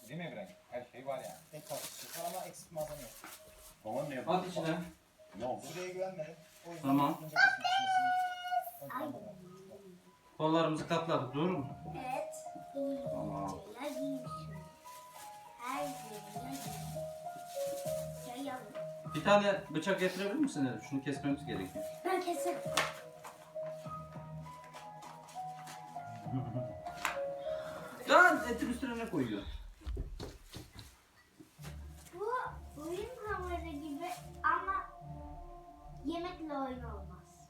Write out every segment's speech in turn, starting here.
Değil mi İbrahim? Her şey var yani. Dekor ama eksik malzeme yok. Baban ne yapıyor? At içine. Ne oldu? Süreye güvenmedim. O yüzden Tamam. önce kesmişsiniz. Ön planda bıraktım. Kollarımızı katladık, doğru mu? Evet. Tamam. Şeyler giymişim. Her yerine yayalım. Bir tane bıçak getirebilir misin Elif? Şunu kesmemiz gerekiyor. Ben keserim. Lan etin üstüne ne koyuyor? Bu oyun hamuru gibi ama yemekle oyun olmaz.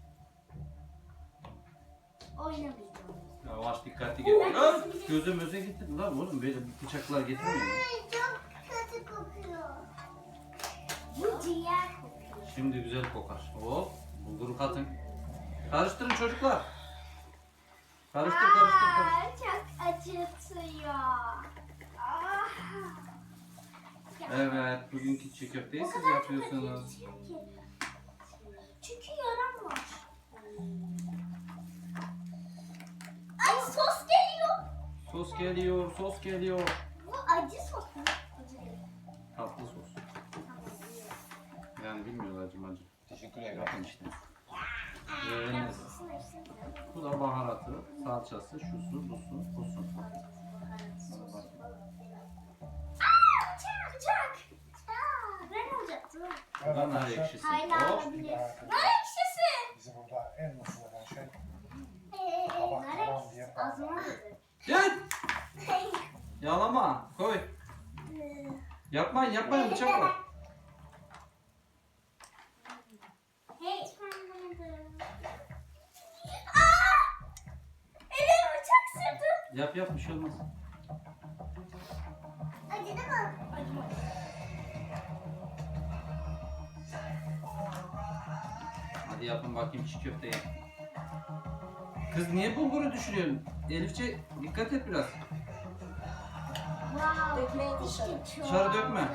Oynamayacağım. Yavaş dikkatli gel. Lan göze möze gitti lan oğlum, böyle bıçaklar getirmiyor. Çok kötü kokuyor. Bu ciğer kokuyor. Şimdi güzel kokar. Hop, bulguru katın. Karıştırın çocuklar. Karıştır. Çok acıtıyor. Ah. Evet, bugünkü çiğ köfteyi O siz kadar çok yapıyorsunuz. acıtıyor ki. Çünkü yaram var. Ay sos geliyor. Sos geliyor. Bu acı sos mu? Acı değil. Tatlı sos. Tamam, biliyorum. Yani bilmiyorlar acı. Teşekkür ederim. Bakın işte. Ben Evet. sosunu hepsini biliyorum. Bu da baharatı, salçası, şusu, busu. Bıçak. Ben alacaktım. Bu da nar ekşisi. Hala Hop. alabilir. Nar ekşisi. Bizi burada en mutlu eden şey Nar ekşisi. Ağzıma dedi. Gel. Yalama. Koy. Yapmayın bıçak var. Hey. Aa! Elime bıçak sürdüm. Yap bir şey olmaz. Acıdı mı? Acımadı. Hadi yapın bakayım çiğ köfteyi. Kız niye bulguru düşürüyorsun? Elifçe dikkat et biraz. Wow. Dökmeyin dışarı. Dışarı dökme.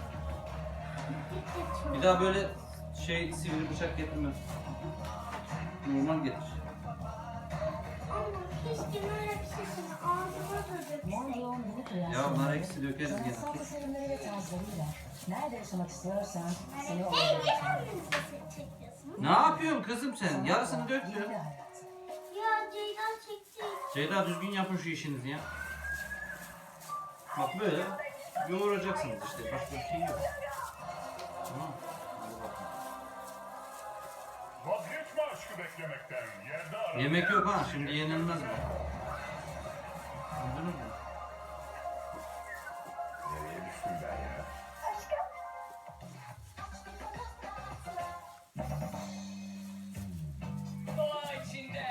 Bir daha böyle sivri bıçak getirme. Normal getir. Ama keşke nar ekşisini ağzıma da dökseydim. Mondial minik Ya nar eksi dökeriz gene. Sanatsal tasarımları ve tarzlarıyla nerede yaşamak istiyorsan seni Hey, oraya niye götürüyor. kendinizi çekiyorsunuz? Ne yapıyorsun kızım sen? Yarısını döktün. Yeni bir hayat. Ya Ceyda çekti. Ceyda düzgün yapın şu işinizi ya. Bak böyle yoğuracaksınız işte. Başka bir şey yok. Tamam. Hadi bakalım. Vazgeçme aşkı beklemekten. Yerde ara. Yemek yok ha. Şimdi yenilmez mi? Anladınız mı? Nereye düştüm ben ya? Doğa içinde.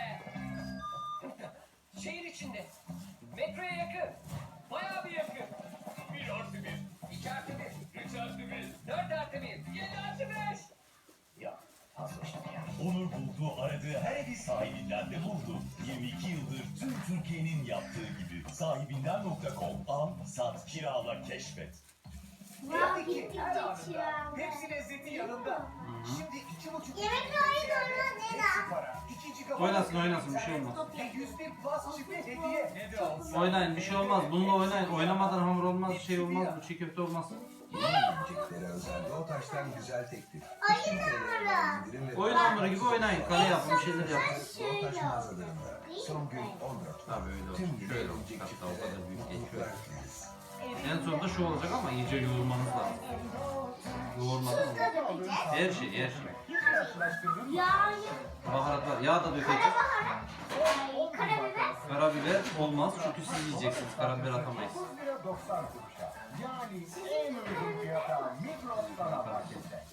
Şehir içinde. Metroya yakın. Bayağı bir yakın. 1+1. 2+1. 3+1. 4+1. 7+5. Ya fazla şimdi ya. Onur buldu, aradığı her evi sahibinden de buldu. 22 yıldır tüm Türkiye'nin yaptığı gibi. Sahibinden.com. Al, sat, kirala, keşfet. Wow, gittikçe çiğ. Hepsi lezzeti yanında. Şimdi 2,5 Yemekle oynuyoruz Ceyda. para. 2 GB Oynasın bir şey olmaz. ve 101 plus çift hediye. Ne de olsa. Oynayın bir şey olmaz. Bununla oynayın. Oynamadan hamur olmaz, şey olmaz. Bu çiğ köfte olmaz. Yiyeceklere özel Doğutaş'tan güzel teklif. Oyun hamuru. Oyun hamuru gibi oynayın. Kale yapın, bir şeyler yapın. Doğutaş mağazalarında son gün 14. Tabii öyle Tüm olsun. gün Şöyle olacak. yiyecek Hatta o kadar büyük çiftlere geçiyor. mutluluklar dileriz. En sonunda şu olacak ama iyice yoğurmanız lazım. Yoğurmadan olmaz. Her şey. Yağ, Baharatlar, yağ da dökeceğiz. karabiber. Karabiber olmaz çünkü siz yiyeceksiniz. Karabiber atamayız. 9 lira 90 kuruşa. Yani en uygun fiyata Migros Sanat Market'te.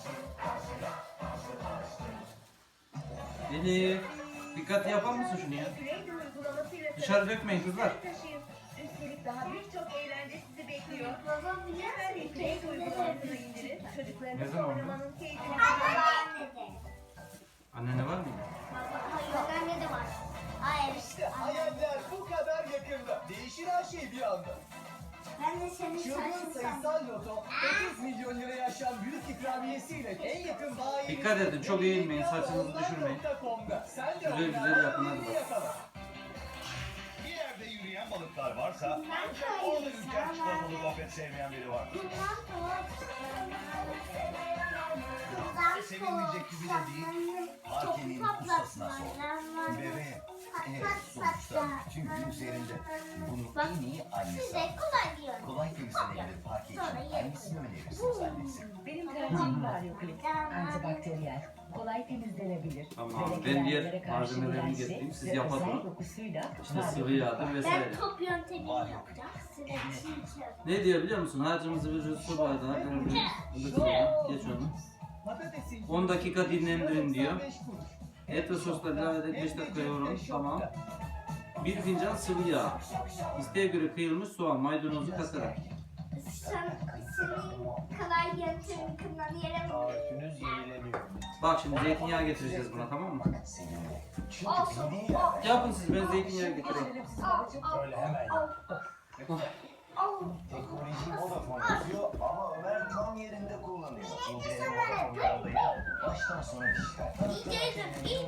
Elif, dikkatli yapar mısın şunu ya? Dışarı dökmeyin kızlar. Üstelik daha birçok eğlence sizi bekliyor. Babam Hemen biliyor Play musun? uygulamasını indirin. Ne Çocuklarınızla zaman oynamanın keyfini Anne de. Annene var mı? Hayır, anne de var. Hayır. İşte hayaller bu kadar yakında. Değişir her şey bir anda. Ben de senin Çılgın saçını sandım. sayısal loto 30 milyon liraya aşan büyük ikramiyesiyle en yakın bayi. Dikkat edin, çok eğilmeyin, saçınızı düşürmeyin. Güzel güzel yapın, hadi bak. Bir yerde yürüyen Sıcak balıklar varsa orada ülken çikolatalı gofret sevmeyen biri var. Sevinmeyecek gibi de değil. Parkenin ustasına sor. Bebeğim. Evet, sonuçta tüm gün üzerinde. Bunu en iyi annesi. Size kolay diyorum. Kolay temizlenebilir parke için hangisini önerirsiniz annesi? Benim tercihim Varyoklik. Antibakteriyel. Kolay temizlenebilir. Tamam, Bebek ben diğer yerlere karşı malzemelerini dirençli getireyim, siz ve yapın özel onu. dokusuyla İşte sıvı Varyoklik. yağdır vesaire. Ben top yöntemini yapacağım. Size çiğ köfte. Ne diyor biliyor musun? Harcımızı bir su bardağı geç onu. 10 dakika dinlendirin diyor. Et ve sosla ilave edip 5 dakika yoğurun. Tamam. 1 fincan sıvı yağ. İsteğe göre kıyılmış soğan, maydanozu katarak. Senin kolay yöntemini kullanıyorum. Tarifiniz yenileniyor. Bak şimdi zeytinyağı getireceğiz buna, tamam mı? Olsun. Yapın siz, ben zeytinyağı getireyim. Öyle hemen Teknoloji Vodafone yazıyor ama Ömer tam yerinde kullanıyor. İndirelim Vodafone yollayı. Baştan sona dijital. İndirdim.